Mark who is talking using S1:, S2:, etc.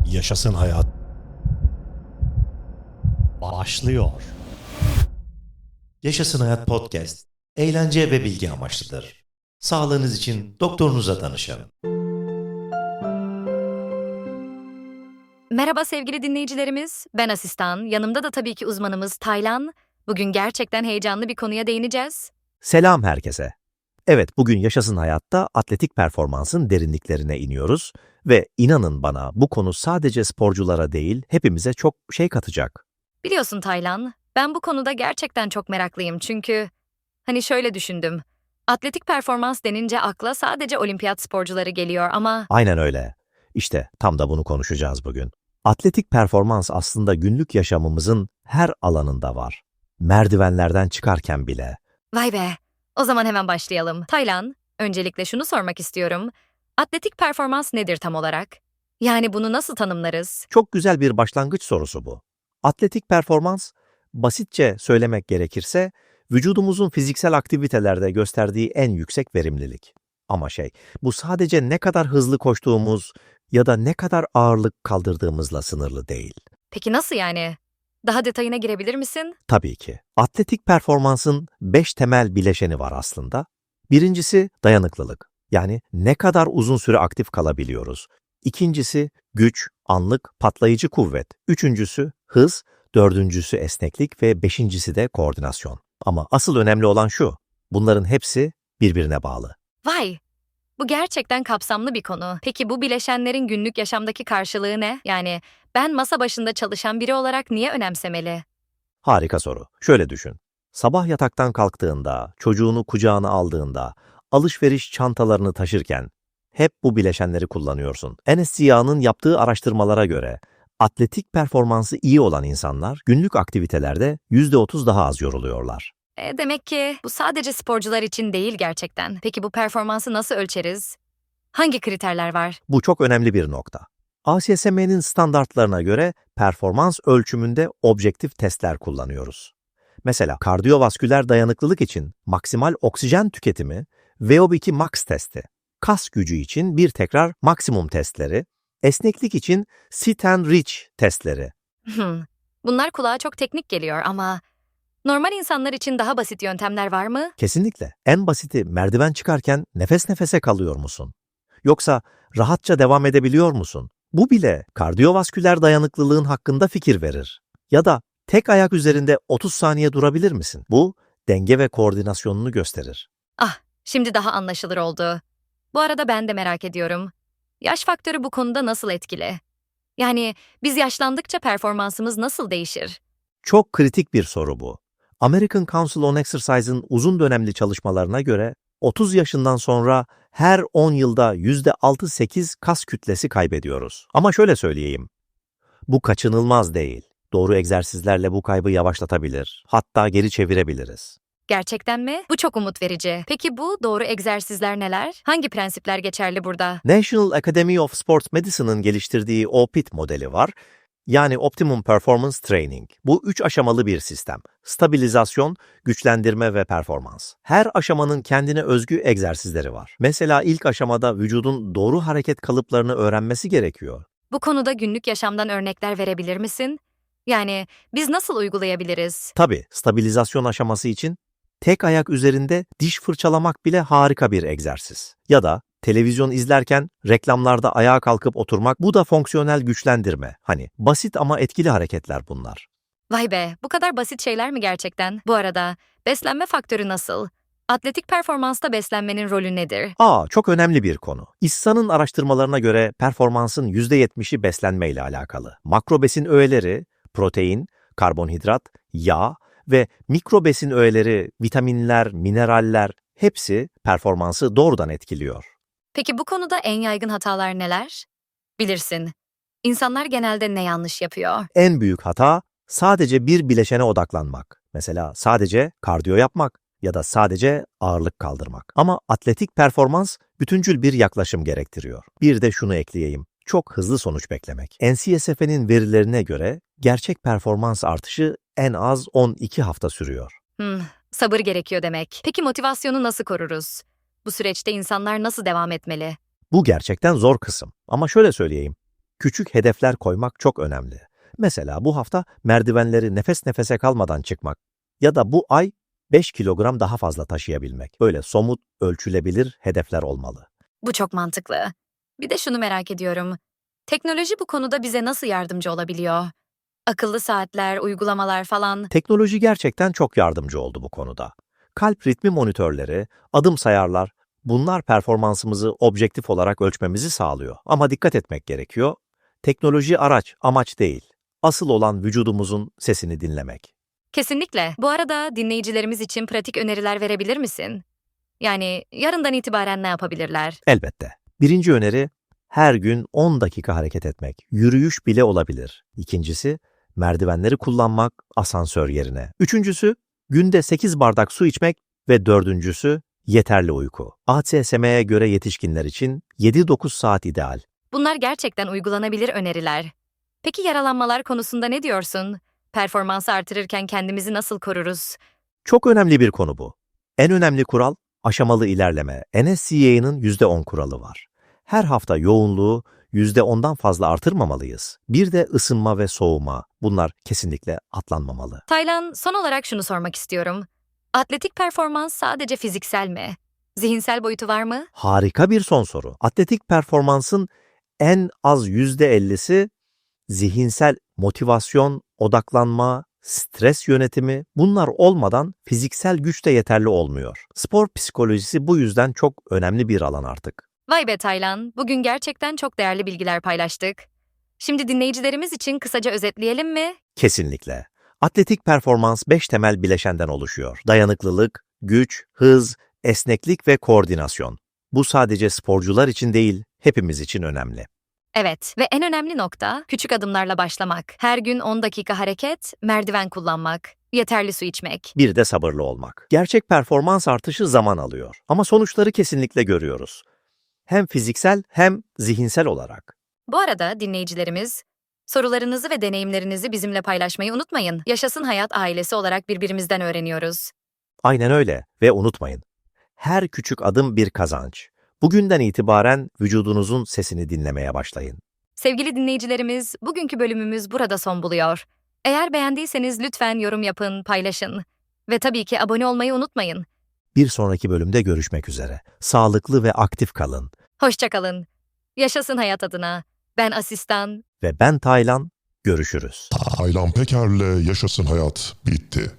S1: Yaşasın hayat. Başlıyor.
S2: Yaşasın Hayat Podcast, eğlence ve bilgi amaçlıdır. Sağlığınız için doktorunuza danışın.
S3: Merhaba sevgili dinleyicilerimiz, ben Asistan, yanımda da tabii ki uzmanımız Taylan. Bugün gerçekten heyecanlı bir konuya değineceğiz.
S4: Selam herkese. Evet, bugün Yaşasın Hayat'ta atletik performansın derinliklerine iniyoruz ve inanın bana bu konu sadece sporculara değil, hepimize çok şey katacak.
S3: Biliyorsun Taylan, ben bu konuda gerçekten çok meraklıyım çünkü şöyle düşündüm. Atletik performans denince akla sadece olimpiyat sporcuları geliyor ama
S4: Aynen öyle. İşte tam da bunu konuşacağız bugün. Atletik performans aslında günlük yaşamımızın her alanında var. Merdivenlerden çıkarken bile.
S3: vay be, o zaman hemen başlayalım. Taylan, öncelikle şunu sormak istiyorum. Atletik performans nedir tam olarak? Yani bunu nasıl tanımlarız?
S4: Çok güzel bir başlangıç sorusu bu. Atletik performans, basitçe söylemek gerekirse, vücudumuzun fiziksel aktivitelerde gösterdiği en yüksek verimlilik. Ama bu sadece ne kadar hızlı koştuğumuz ya da ne kadar ağırlık kaldırdığımızla sınırlı değil.
S3: Peki nasıl yani? Daha detayına girebilir misin?
S4: Tabii ki. Atletik performansın 5 temel bileşeni var aslında. Birincisi dayanıklılık. Yani ne kadar uzun süre aktif kalabiliyoruz. İkincisi güç, anlık, patlayıcı kuvvet. Üçüncüsü hız, dördüncüsü esneklik ve beşincisi de koordinasyon. Ama asıl önemli olan şu, bunların hepsi birbirine bağlı.
S3: Vay! Bu gerçekten kapsamlı bir konu. Peki bu bileşenlerin günlük yaşamdaki karşılığı ne? Yani ben masa başında çalışan biri olarak niye önemsemeli?
S4: Harika soru. Şöyle düşün. Sabah yataktan kalktığında, çocuğunu kucağına aldığında, alışveriş çantalarını taşırken hep bu bileşenleri kullanıyorsun. NSCA'nın yaptığı araştırmalara göre atletik performansı iyi olan insanlar günlük aktivitelerde %30 daha az yoruluyorlar.
S3: Demek ki bu sadece sporcular için değil gerçekten. Peki bu performansı nasıl ölçeriz? Hangi kriterler var?
S4: Bu çok önemli bir nokta. ASSM'nin standartlarına göre performans ölçümünde objektif testler kullanıyoruz. Mesela kardiyovasküler dayanıklılık için maksimal oksijen tüketimi, VO2 max testi, kas gücü için bir tekrar maksimum testleri, esneklik için sit and reach testleri.
S3: Bunlar kulağa çok teknik geliyor ama normal insanlar için daha basit yöntemler var mı?
S4: Kesinlikle. En basiti merdiven çıkarken nefes nefese kalıyor musun? Yoksa rahatça devam edebiliyor musun? Bu bile kardiyovasküler dayanıklılığın hakkında fikir verir. Ya da tek ayak üzerinde 30 saniye durabilir misin? Bu denge ve koordinasyonunu gösterir.
S3: Ah, şimdi daha anlaşılır oldu. Bu arada ben de merak ediyorum. Yaş faktörü bu konuda nasıl etkili? Yani biz yaşlandıkça performansımız nasıl değişir?
S4: Çok kritik bir soru bu. American Council on Exercise'ın uzun dönemli çalışmalarına göre 30 yaşından sonra her 10 yılda %6-8 kas kütlesi kaybediyoruz. Ama şöyle söyleyeyim, bu kaçınılmaz değil. Doğru egzersizlerle bu kaybı yavaşlatabilir, hatta geri çevirebiliriz.
S3: Gerçekten mi? Bu çok umut verici. Peki bu doğru egzersizler neler? Hangi prensipler geçerli burada?
S4: National Academy of Sports Medicine'ın geliştirdiği OPIT modeli var. Yani Optimum Performance Training. Bu 3 aşamalı bir sistem. Stabilizasyon, güçlendirme ve performans. Her aşamanın kendine özgü egzersizleri var. Mesela ilk aşamada vücudun doğru hareket kalıplarını öğrenmesi gerekiyor.
S3: Bu konuda günlük yaşamdan örnekler verebilir misin? Yani biz nasıl uygulayabiliriz?
S4: Tabii stabilizasyon aşaması için tek ayak üzerinde diş fırçalamak bile harika bir egzersiz. Ya da televizyon izlerken reklamlarda ayağa kalkıp oturmak, bu da fonksiyonel güçlendirme. Hani basit ama etkili hareketler bunlar.
S3: Vay be, bu kadar basit şeyler mi gerçekten? Bu arada beslenme faktörü nasıl? Atletik performansta beslenmenin rolü nedir?
S4: Çok önemli bir konu. İHSA'nın araştırmalarına göre performansın %70'i beslenmeyle alakalı. Makro besin öğeleri, protein, karbonhidrat, yağ ve mikro besin öğeleri, vitaminler, mineraller hepsi performansı doğrudan etkiliyor.
S3: Peki bu konuda en yaygın hatalar neler? Bilirsin, İnsanlar genelde ne yanlış yapıyor?
S4: En büyük hata sadece bir bileşene odaklanmak. Mesela sadece kardiyo yapmak ya da sadece ağırlık kaldırmak. Ama atletik performans bütüncül bir yaklaşım gerektiriyor. Bir de şunu ekleyeyim. Çok hızlı sonuç beklemek. NCSF'nin verilerine göre gerçek performans artışı en az 12 hafta sürüyor.
S3: Sabır gerekiyor demek. Peki motivasyonu nasıl koruruz? Bu süreçte insanlar nasıl devam etmeli?
S4: Bu gerçekten zor kısım. Ama şöyle söyleyeyim. Küçük hedefler koymak çok önemli. Mesela bu hafta merdivenleri nefes nefese kalmadan çıkmak ya da bu ay 5 kilogram daha fazla taşıyabilmek. Böyle somut, ölçülebilir hedefler olmalı.
S3: Bu çok mantıklı. Bir de şunu merak ediyorum. Teknoloji bu konuda bize nasıl yardımcı olabiliyor? Akıllı saatler, uygulamalar falan.
S4: Teknoloji gerçekten çok yardımcı oldu bu konuda. Kalp ritmi monitörleri, adım sayarlar, bunlar performansımızı objektif olarak ölçmemizi sağlıyor. Ama dikkat etmek gerekiyor. Teknoloji araç, amaç değil. Asıl olan vücudumuzun sesini dinlemek.
S3: Kesinlikle. Bu arada dinleyicilerimiz için pratik öneriler verebilir misin? Yani yarından itibaren ne yapabilirler?
S4: Elbette. Birinci öneri, her gün 10 dakika hareket etmek. Yürüyüş bile olabilir. İkincisi, merdivenleri kullanmak asansör yerine. Üçüncüsü, günde 8 bardak su içmek ve dördüncüsü, yeterli uyku. ACSM'ye göre yetişkinler için 7-9 saat ideal.
S3: Bunlar gerçekten uygulanabilir öneriler. Peki yaralanmalar konusunda ne diyorsun? Performansı artırırken kendimizi nasıl koruruz?
S4: Çok önemli bir konu bu. En önemli kural, aşamalı ilerleme. NSCA'nın %10 kuralı var. Her hafta yoğunluğu %10'dan fazla artırmamalıyız. Bir de ısınma ve soğuma. Bunlar kesinlikle atlanmamalı.
S3: Taylan, son olarak şunu sormak istiyorum. Atletik performans sadece fiziksel mi? Zihinsel boyutu var mı?
S4: Harika bir son soru. Atletik performansın en az %50'si zihinsel motivasyon, odaklanma, stres yönetimi, bunlar olmadan fiziksel güç de yeterli olmuyor. Spor psikolojisi bu yüzden çok önemli bir alan artık.
S3: Vay be Taylan, bugün gerçekten çok değerli bilgiler paylaştık. Şimdi dinleyicilerimiz için kısaca özetleyelim mi?
S4: Kesinlikle. Atletik performans 5 temel bileşenden oluşuyor. Dayanıklılık, güç, hız, esneklik ve koordinasyon. Bu sadece sporcular için değil, hepimiz için önemli.
S3: Evet ve en önemli nokta küçük adımlarla başlamak. Her gün 10 dakika hareket, merdiven kullanmak, yeterli su içmek.
S4: Bir de sabırlı olmak. Gerçek performans artışı zaman alıyor ama sonuçları kesinlikle görüyoruz. Hem fiziksel hem zihinsel olarak.
S3: Bu arada dinleyicilerimiz, sorularınızı ve deneyimlerinizi bizimle paylaşmayı unutmayın. Yaşasın Hayat ailesi olarak birbirimizden öğreniyoruz.
S4: Aynen öyle ve unutmayın. Her küçük adım bir kazanç. Bugünden itibaren vücudunuzun sesini dinlemeye başlayın.
S3: Sevgili dinleyicilerimiz, bugünkü bölümümüz burada son buluyor. Eğer beğendiyseniz lütfen yorum yapın, paylaşın. Ve tabii ki abone olmayı unutmayın.
S4: Bir sonraki bölümde görüşmek üzere. Sağlıklı ve aktif kalın.
S3: Hoşça kalın. Yaşasın hayat adına. Ben asistan.
S4: Ve ben Taylan, görüşürüz.
S5: Taylan Peker'le Yaşasın Hayat bitti.